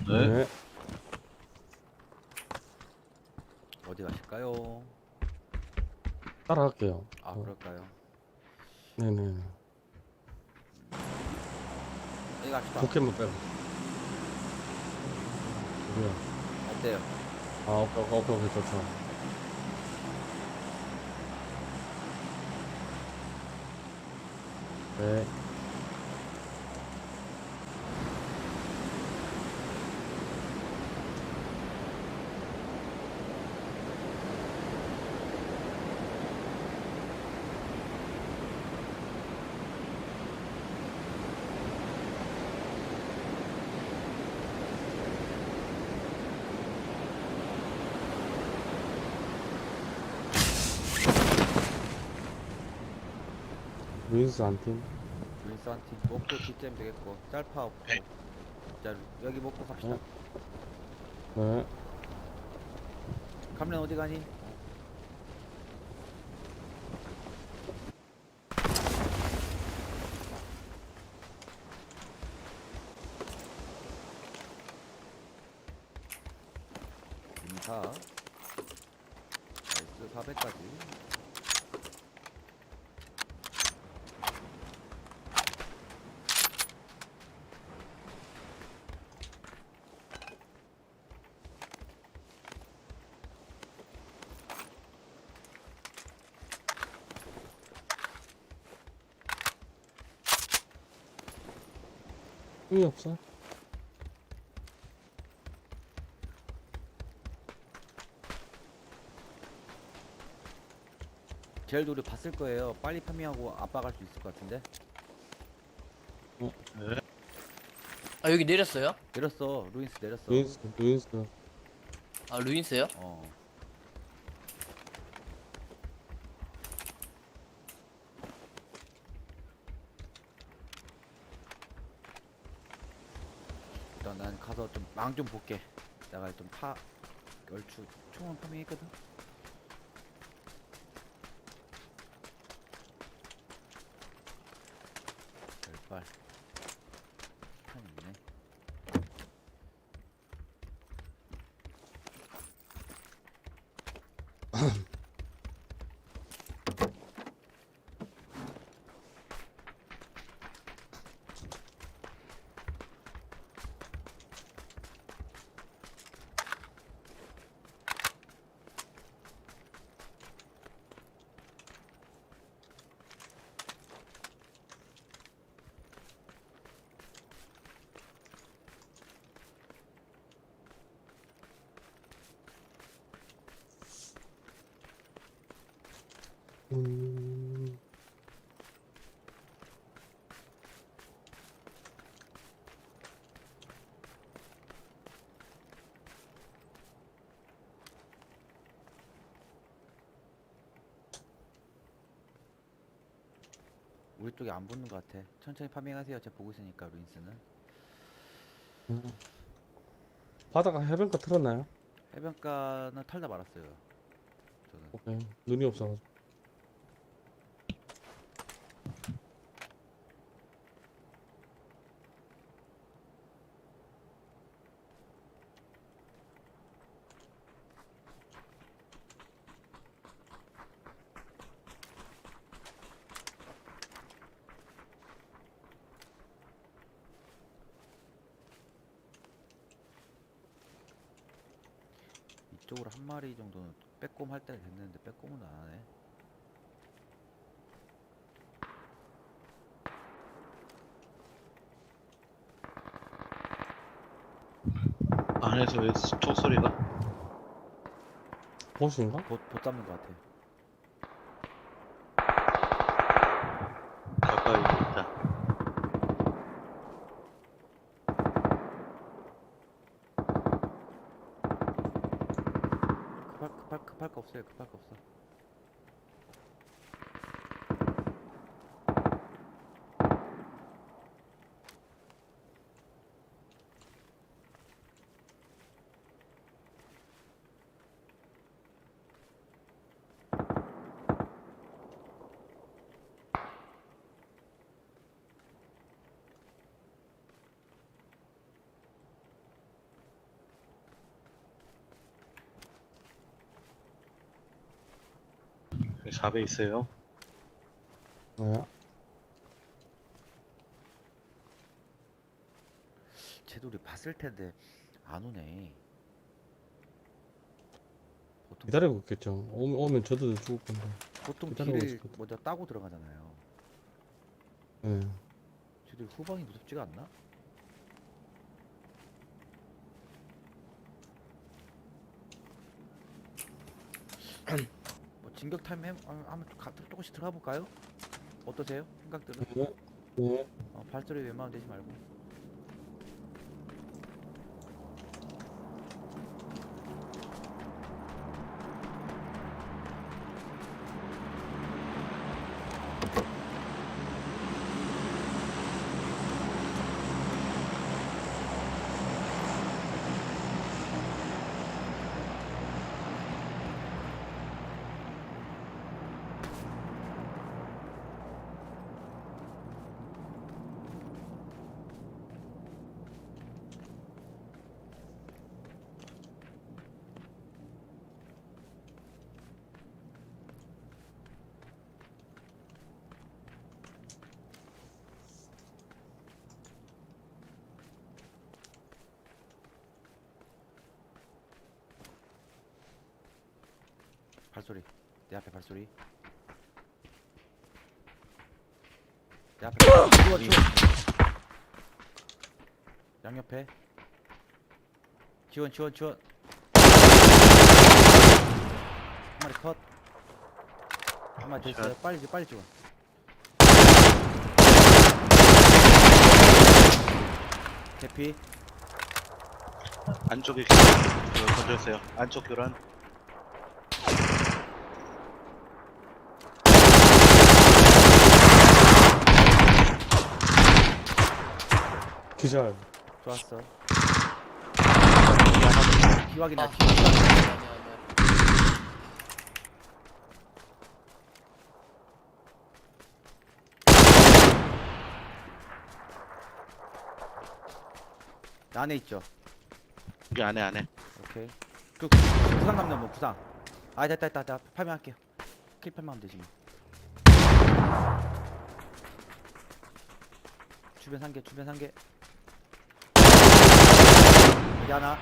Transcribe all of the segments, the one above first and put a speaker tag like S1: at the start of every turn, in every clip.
S1: 네.
S2: 네.
S3: 어디 가실까요?
S2: 따라갈게요.
S3: 아, 그럴까요?
S2: 네네.
S3: 어디 갑시다.
S2: 포켓몬 빼고. 뭐야?
S3: 어때요?
S2: 아, 오케이, 좋죠. 네. 루인스 한 팀.
S3: 윈스한테 목표 뒷잼 되겠고 짤파 없고.
S1: 네.
S3: 자, 여기 먹고 갑시다.
S2: 네.
S3: 감면 어디 가니? 인사. 나이스 400까지.
S2: 흥이 없어?
S3: 젤도 우리 봤을 거예요. 빨리 파밍하고 아빠 갈 수 있을 것 같은데.
S1: 네.
S4: 아 여기 내렸어요?
S3: 내렸어. 루인스 내렸어.
S2: 루인스.
S4: 아 루인스요?
S3: 어. 일단 난 가서 좀 망 좀 볼게. 내가 좀 얼추 총은 파밍했거든. 별발 판 있네.
S2: 음.
S3: 우리 쪽에 안 붙는 것 같아. 천천히 파밍하세요. 제가 보고 있으니까 루인스는.
S2: 바다가 해변가 틀었나요?
S3: 해변가는 털다 말았어요. 저는.
S2: 오케이. 눈이 없어가지고.
S3: 이쪽으로 한 마리 정도는 빼꼼 할 때가 됐는데 빼꼼은 안 하네.
S1: 안에서 왜 총소리가?
S2: 보스인가?
S3: 봇 잡는 것 같아.
S1: 가까이 있다.
S3: 급할 거 없어요. 급할 거 없어.
S1: 4배 있어요.
S2: 네.
S3: 쟤도 우리 봤을 텐데 안 오네. 보통
S2: 기다리고 있겠죠. 오면 저도 죽을 건데.
S3: 보통
S2: 기다리고
S3: 길을
S2: 있을 거다.
S3: 먼저 따고 들어가잖아요.
S2: 네.
S3: 쟤들 후방이 무섭지가 않나? 뭐 진격 타임 한번 조금씩 들어가 볼까요? 어떠세요? 생각들은?
S2: 네. 네.
S3: 발소리 웬만하면 내지 말고. 발소리. 내 앞에 발소리. 내 앞에 치워 치워. 양옆에 지원 지원 지원. 한 마리 컷. 한 마리 더 있어요. 빨리 빨리 지원. 개피.
S1: 안쪽에 던졌어요. 안쪽 교란.
S2: 기절.
S3: 좋았어.
S1: 하나
S3: 기확이나
S4: 아,
S3: 기.
S4: 아니야.
S3: 안에 있죠.
S1: 여기 안에.
S3: 오케이. 그 부상 남는 뭐 부상. 아 됐다. 파밍할게요. 킬 파밍하면 되지 뭐. 주변 산개. 여기 하나.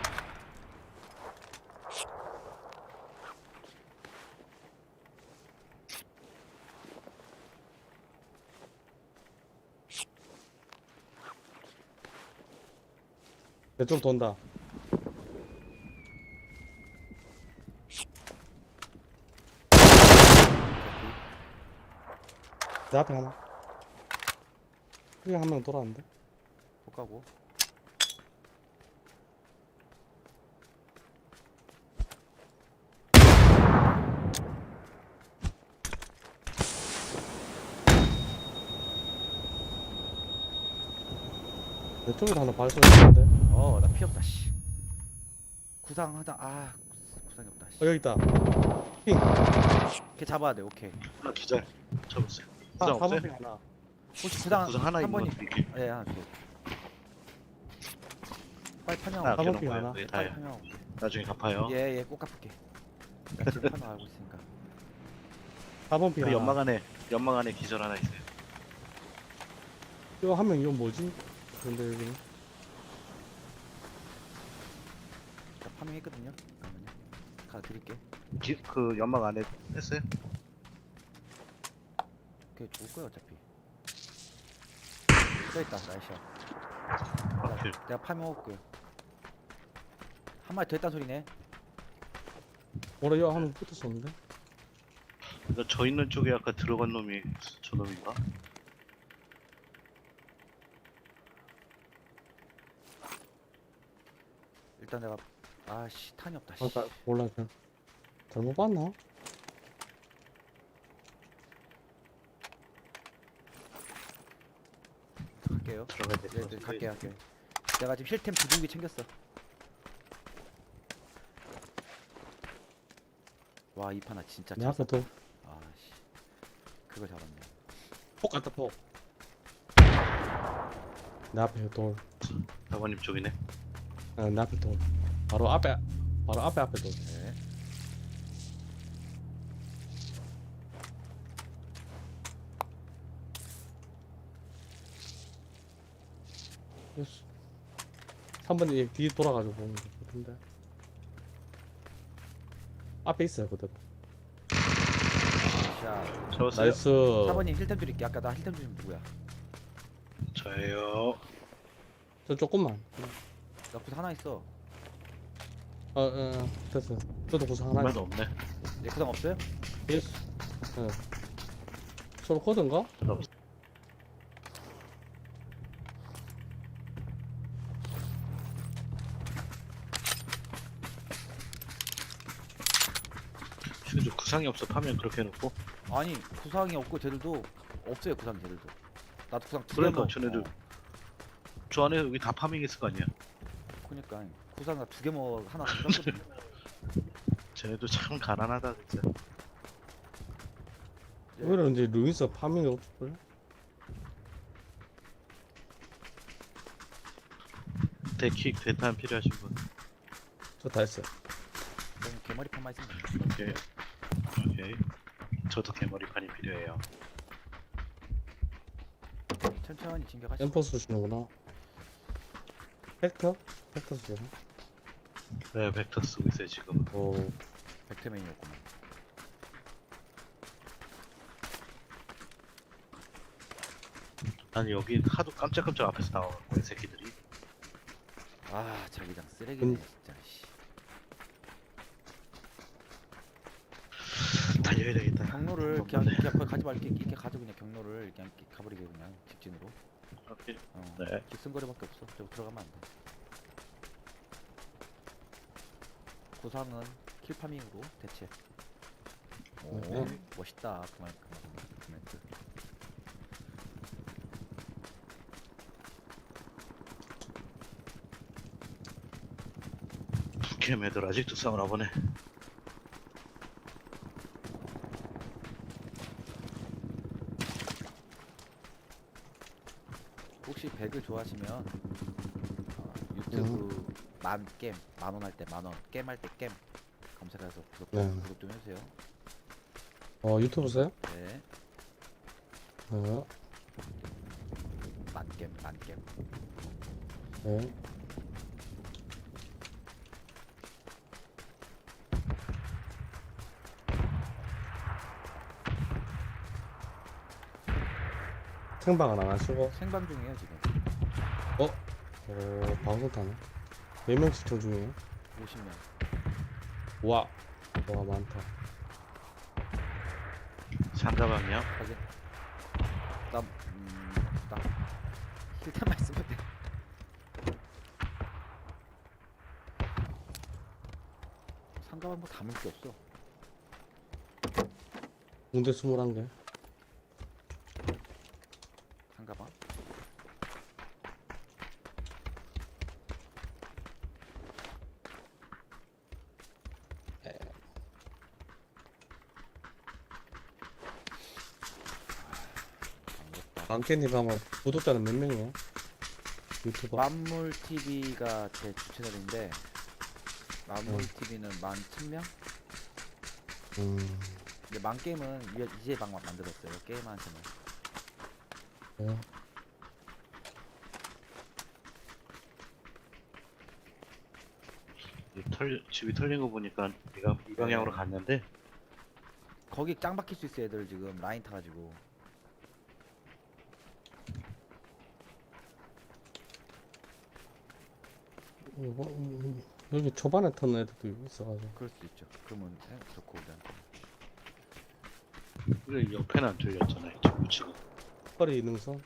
S2: 내 쪽 돈다. 내 앞에 하나. 여기 한 명 돌아왔는데.
S3: 못 가고.
S2: 내 쪽에도 하나 발소리 했는데.
S3: 나 피 없다 씨. 구상 하다. 구상이 없다 씨.
S2: 여기 있다.
S3: 걔 잡아야 돼. 오케이.
S1: 하나 기절. 잡았어요.
S2: 아,
S1: 부상 없어요?
S2: 4번 하나.
S3: 혹시 구상
S1: 부상 하나
S3: 한
S1: 있는 거
S3: 번이.
S1: 드릴게요.
S3: 예, 하나 줘. 빨리
S1: 하나
S3: 파밍하고.
S2: 가방
S1: 아껴놓은
S2: 핑
S1: 거예요.
S2: 하나.
S1: 그게
S3: 빨리
S1: 다예요.
S3: 파밍하고.
S1: 나중에 갚아요.
S3: 예, 꼭 갚을게. 나 지금 파밍 알고 있으니까.
S2: 4번 피
S1: 우리
S2: 하나.
S1: 연막 안에 기절 하나 있어요.
S2: 이거 한 명 이건 뭐지? 근데 여기는.
S3: 자, 파밍했거든요. 잠깐만요. 가 드릴게.
S1: 그 연막 안에 했어요?
S3: 걔 죽을 거야 어차피. 써 있다. 나이샤.
S1: 오케이.
S3: 내가 파밍 먹을게. 한 마리 더 있단 소리네.
S2: 뭐라 이거 한 명 붙었었는데?
S1: 그러니까 저 있는 쪽에 아까 들어간 놈이 저 놈인가?
S3: 일단 내가 탄이 없다. 씨.
S2: 아까 몰라 그냥 잘못 봤나?
S3: 갈게요.
S1: 들어가야 돼.
S3: 네, 갈게요. 내가 지금 힐템 2종기 챙겼어. 와, 이 판아 진짜
S2: 내 앞에 돌.
S3: 아씨. 그거 잡았네.
S2: 폭 갔다 폭. 내 앞에 돌.
S1: 사관님 쪽이네.
S2: 내 앞에 돌. 바로 앞에 돌.
S3: 네.
S2: 됐어. 3번이 얘 뒤에 돌아가지고 보는 거 같은데. 앞에 있어요, 그대로.
S3: 자,
S1: 잡았어요?
S2: 나이스.
S3: 4번님 힐템 드릴게. 아까 나 힐템 주신 누구야?
S1: 저예요.
S2: 저 조금만.
S3: 나 구상 하나 있어.
S2: 됐어. 저도 구상 하나
S1: 정말
S2: 있어.
S1: 없네.
S3: 내 구상 없어요?
S2: 됐어. 서로 코드인가?
S1: 슈즈 구상이 없어 파면 그렇게 해놓고.
S3: 아니 구상이 없고 쟤들도 없어요. 구상 쟤들도. 나도 구상 두
S1: 그러니까
S3: 개만.
S1: 쟤네들 저 안에 여기 다 파밍했을 거 아니야.
S3: 그러니까 구상 나 두 개 먹어 하나 샀거든.
S1: 쟤네도 참 가난하다 진짜.
S2: 오히려 이제 루이스 파밍이 없을걸?
S1: 대킥 대탄 필요하신 분.
S2: 저 다 했어요.
S3: 그럼 개머리판만 있으면 돼.
S1: 오케이. 오케이. 저도 개머리판이 필요해요.
S3: 천천히 진격하시죠.
S2: 엠퍼 쓰시는구나. 팩터? 팩터 쓰시나?
S1: 네, 벡터 쓰고 있어요 지금.
S2: 오,
S3: 벡터맨이었구만.
S1: 아니 여기 하도 깜짝깜짝 앞에서 나와갖고 이 새끼들이.
S3: 아 자기장 쓰레기네 진짜. 씨.
S1: 달려야 되겠다.
S3: 경로를 그냥 거기 가지 말게 이렇게 가져 그냥 경로를 그냥 이렇게 가버리게 그냥 직진으로.
S1: 오케이.
S3: 어.
S1: 네.
S3: 뒷선거리밖에 없어. 저 들어가면 안 돼. 구상은 킬파밍으로 대체. 오
S2: 네.
S3: 멋있다. 그만 멘트.
S1: 북캠 애들 아직도 싸우나 보네.
S3: 혹시 배그 좋아하시면 유튜브 게임 만원 할 때 만원 게임 할 때 게임 검색해서
S2: 네.
S3: 구독 좀 해주세요.
S2: 유튜브 써요?
S3: 네,
S2: 네.
S3: 만게임.
S2: 네. 생방은 안 하시고?
S3: 생방 중이에요 지금.
S2: 방송 타네. 몇 명 시청 중이에요?
S3: 50명.
S2: 와, 많다.
S1: 상가방이요?
S3: 확인. 나 힐템만 있으면 돼. 상가방 뭐 담을 게 없어.
S2: 군대 21개.
S3: 상가방.
S2: 망캐님 하면 구독자는 몇 명이에요? 유튜버?
S3: 만물 TV가 제 주 채널인데 만물 TV는 11,000명? 근데 만게임은 이제 방 만들었어요. 게임하는 채널.
S2: 네.
S1: 집이 털린 거 보니까 네가 이 방향으로 갔는데
S3: 거기 짱 박힐 수 있어. 애들 지금 라인 타가지고.
S2: 여기 초반에 터는 애들도 있어가지고.
S3: 그럴 수도 있죠. 그러면 좋고 우리한테.
S1: 우리 옆에는 안 뚫렸잖아요 지금.
S2: 커리 능선?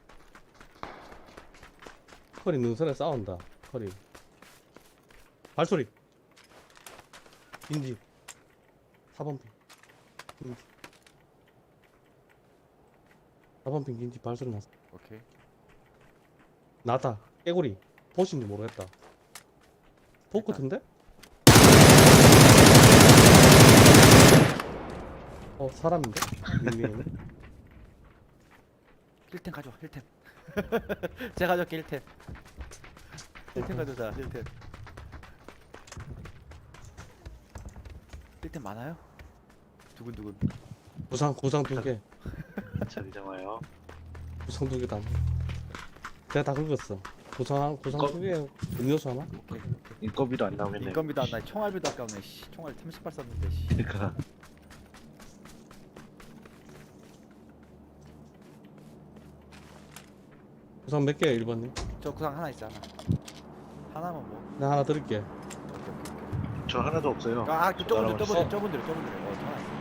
S2: 커리 능선에 싸운다. 커리. 발소리. 인지. 4번 핑. 인지. 4번 핑 인지 발소리 났어.
S3: 오케이.
S2: 나다. 깨구리. 보신지 모르겠다. 복 같은데? 사람인데? 닉네임.
S3: 힐템 가져와. 힐템. 제가 가져올게. 힐템. 힐템 가져오자. 힐템. 힐템 많아요? 두근두근.
S2: 구상 2개.
S1: 자기장 와요.
S2: 구상 2개 다. 내가 다 긁었어. 구상
S1: 거-
S2: 속에 음료수 하나?
S3: 오케이.
S1: 인건비도 안 나오겠네.
S3: 인건비도 안 나. 총알비도 아까우네. 씨. 총알 30발 쐈는데. 씨.
S1: 그러니까
S2: 구상 몇 개, 1번님?
S3: 저 구상 하나 있어 하나. 하나만 뭐.
S2: 나 하나 드릴게.
S3: 오케이 오케이.
S1: 저 하나도 없어요.
S3: 아,
S1: 저
S3: 저분들
S1: 날아갔어.
S3: 저분들. 저 하나 있어.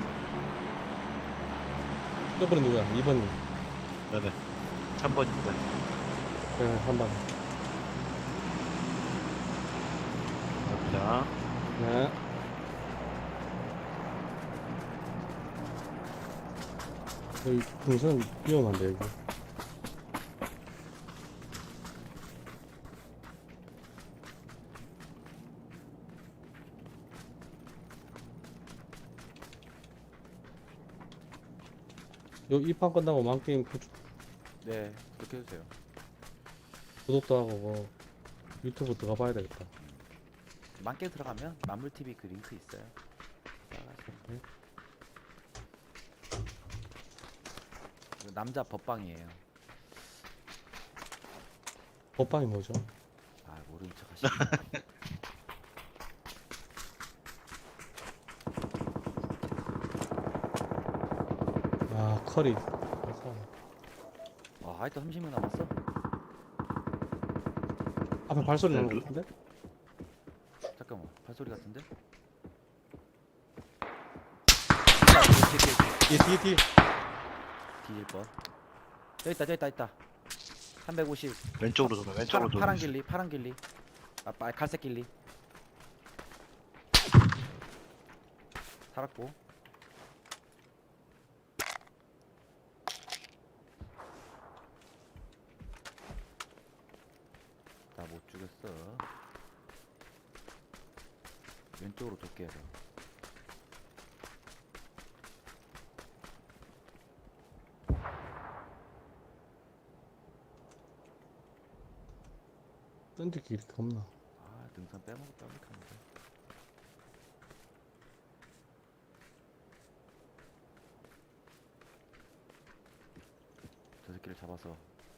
S2: 저번에 누구야? 2번님.
S1: 네네. 3번입니다.
S2: 네, 3번.
S1: 갑니다.
S2: 네. 여기 풍선 위험한데, 여기. 요 이 판 끝나고 만게임
S3: 네, 그렇게 해주세요.
S2: 구독도 하고 뭐 유튜브 들어가 봐야 되겠다.
S3: 만개 들어가면 만물 TV 그 링크 있어요. 따라가세요. 이거 남자 법방이에요.
S2: 법방이 뭐죠?
S3: 아, 모르는 척 하시네.
S2: 아, 커리.
S3: 아, 아직도 30명 남았어?
S2: 앞에 발소리 나는
S1: 네,
S2: 것 같은데?
S3: 잠깐만, 발소리 같은데?
S2: 뒤에.
S3: 뒤질 뻔. 저기 있다. 350.
S1: 왼쪽으로 돌아. 왼쪽으로 돌아.
S3: 파란 길리. 아, 갈색 길리. 살았고. 나 못 죽였어. 왼쪽으로 돌게요. 저.
S2: 던지기 이렇게 없나?
S3: 아, 등산 빼먹었다 하니까. 저 새끼를 잡아서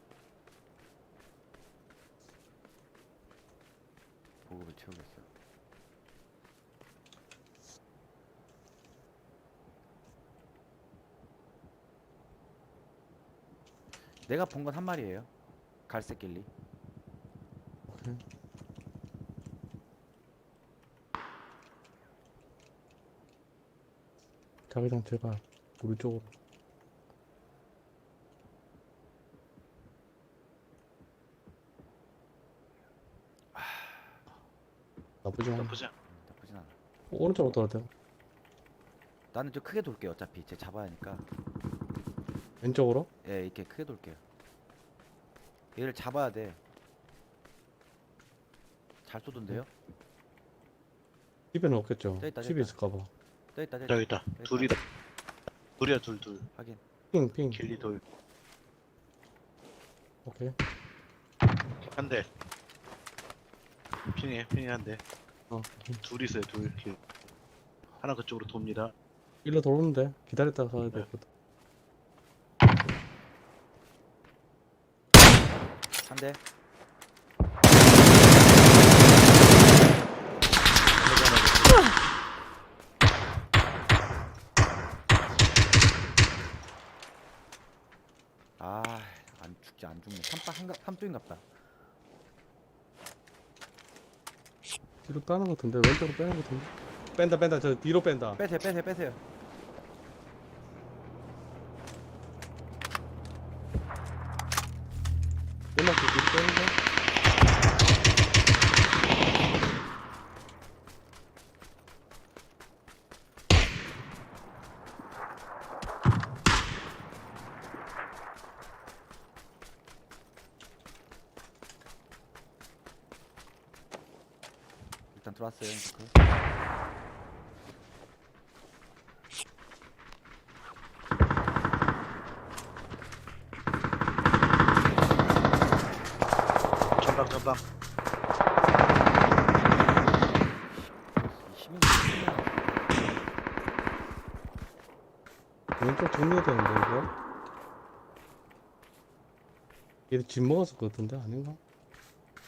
S3: 보급을 채우겠어. 내가 본 건 한 마리예요. 갈색 길리.
S2: 오케이. 자기장 제발 우리 쪽으로. 나쁘지 않아.
S1: 나쁘지 않아.
S3: 나쁘진 않아.
S2: 오른쪽으로 돌아야 돼.
S3: 나는 좀 크게 돌게요. 어차피 쟤 잡아야 하니까.
S2: 왼쪽으로?
S3: 예, 이렇게 크게 돌게요. 얘를 잡아야 돼. 잘 쏘던데요?
S2: 집에는 없겠죠.
S3: 저기 있다, 저기
S2: 집에
S3: 있다.
S2: 있을까봐.
S1: 저기 있다. 둘이다. 둘이야 둘.
S3: 확인.
S2: 핑.
S1: 길리 돌.
S2: 오케이.
S1: 한 대. 핑이 한 대.
S2: 어.
S1: 둘 있어요 둘. 길. 하나 그쪽으로 돕니다.
S2: 일로 돌오는데 기다렸다가 가야
S1: 네.
S2: 되거든.
S3: 한 대. 아, 안 죽네. 삼뚝인갑다.
S2: 뒤로 따는 것 같은데 왼쪽으로 빼는 것 같은데. 뺀다. 저 뒤로 뺀다.
S3: 빼세요.
S2: 연막 뒤로 빼는 거.
S3: 일단 들어왔어요. 잉크.
S1: 전방.
S3: 이 시민.
S2: 왼쪽 정리해야 되는데 이거. 얘들 집 먹었을 것 같은데 아닌가?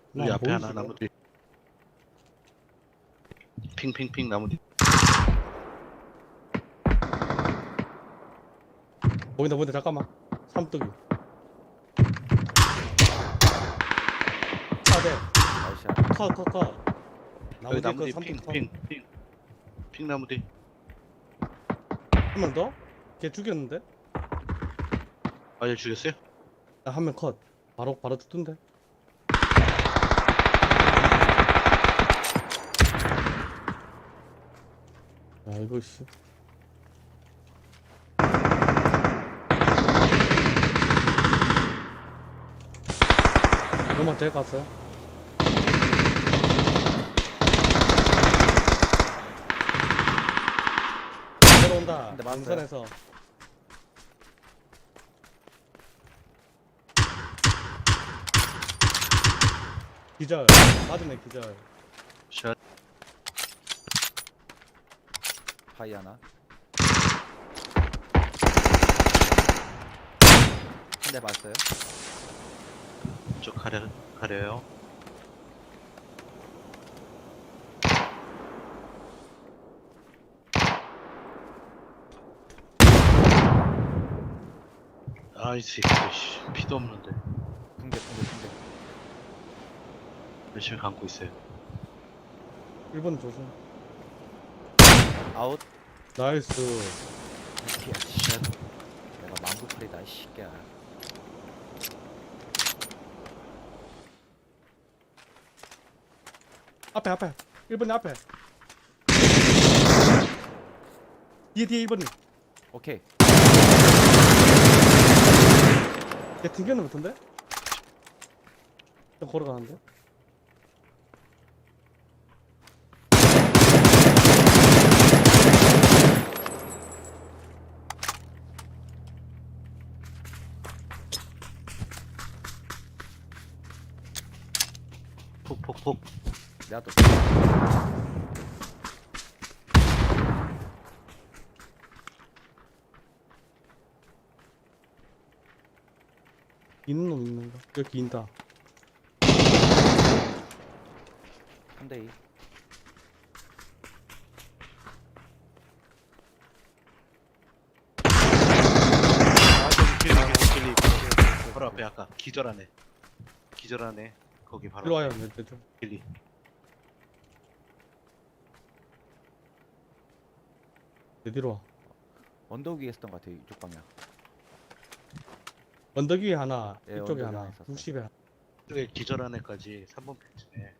S1: 여기
S2: 나
S1: 앞에 하나
S2: 보이지?
S1: 나무 뒤. 핑핑핑 나무 뒤.
S2: 보인다 보인다 잠깐만. 삼뚝이. 차대.
S3: 나이스.
S2: 컷. 나무
S1: 여기 나무
S2: 뒤
S1: 뒤
S2: 거 삼뚝 컷.
S1: 핑 나무 뒤.
S2: 한 명 더? 걔 죽였는데?
S1: 아얘 죽였어요?
S2: 한 명 컷. 바로 죽던데. 야 이거 씨. 너만 돼 갔어요? 내려온다.
S3: 근데 맞았어요.
S2: 능선에서. 기절. 맞으네 기절.
S1: 샷.
S3: 파이 하나. 한 대 맞았어요.
S1: 저 가려요. 아이 새끼 씨 피도 없는데
S3: 붕대.
S1: 열심히 감고 있어요.
S2: 1번 조심.
S3: 아웃.
S2: 나이스.
S3: 이렇게
S1: 샷.
S3: 내가 망구팔이다 이 새끼야.
S2: 앞에. 1번이 앞에. 뒤에 1번이.
S3: 오케이.
S2: 걔 튕겨는 같은데? 좀 걸어가는데?
S1: 폭폭폭.
S3: 내가 또
S2: 있는 놈 있는가? 여기 인다.
S3: 3대2.
S1: 아 저기 길리. 바로 앞에 아까 기절하네. 거기 바로
S2: 일로 와요, 내 좀.
S1: 길리.
S2: 내 뒤로 와.
S3: 언덕 위에 있었던 것 같아 이쪽 방향.
S2: 언덕 위에 하나,
S3: 예,
S2: 이쪽에
S3: 언덕 위에
S2: 하나,
S3: 하나 있었어.
S2: 60에.
S1: 저기 기절한 애까지 3번 펜치네.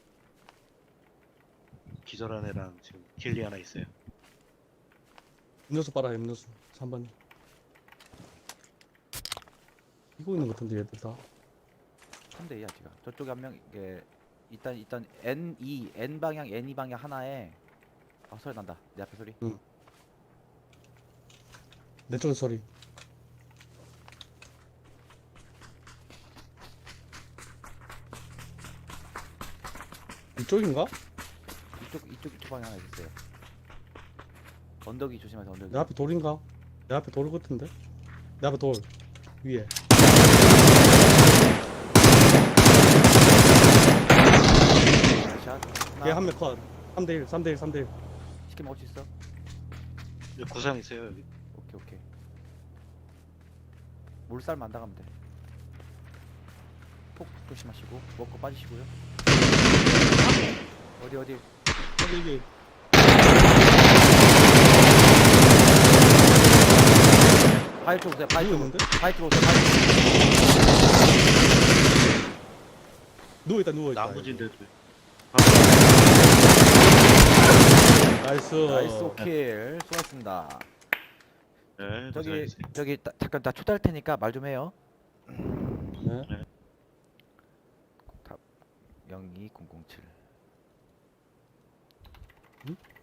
S1: 기절한 애랑 지금 길리 하나 있어요.
S2: 음료수 빨아, 음료수. 3번. 이거 있는 것 같은데, 얘들 다.
S3: 3대2야 지금. 저쪽에 한 명 이게 일단 N 방향 N2 방향 하나에 소리 난다. 내 앞에 소리.
S2: 내 쪽에 소리. 이쪽인가?
S3: 이쪽 방향 하나 있어요. 언덕이 조심하세요. 언덕이.
S2: 내 앞에 돌인가? 내 앞에 돌 같은데? 내 앞에 돌. 위에.
S3: 샷.
S2: 걔 한 명 컷. 3대1, 3대1, 3대1.
S3: 치킨 먹을 수 있어?
S1: 여기 구상 있어요 여기.
S3: 오케이. 물살만 안 당하면 돼. 폭 조심하시고 먹고 빠지시고요. 어디
S2: 여기.
S3: 바위 쪽 오세요. 바위 쪽.
S2: 누웠는데?
S3: 바위 쪽 오세요.
S2: 누워있다, 누워있다.
S1: 나무진데도.
S2: 나이스.
S3: 나이스 오킬. 수고하셨습니다.
S1: 네,
S3: 저기
S1: 고생하셨어요.
S3: 잠깐 나 초대할 테니까 말 좀 해요.
S2: 네.
S3: 답 02007.
S2: 응?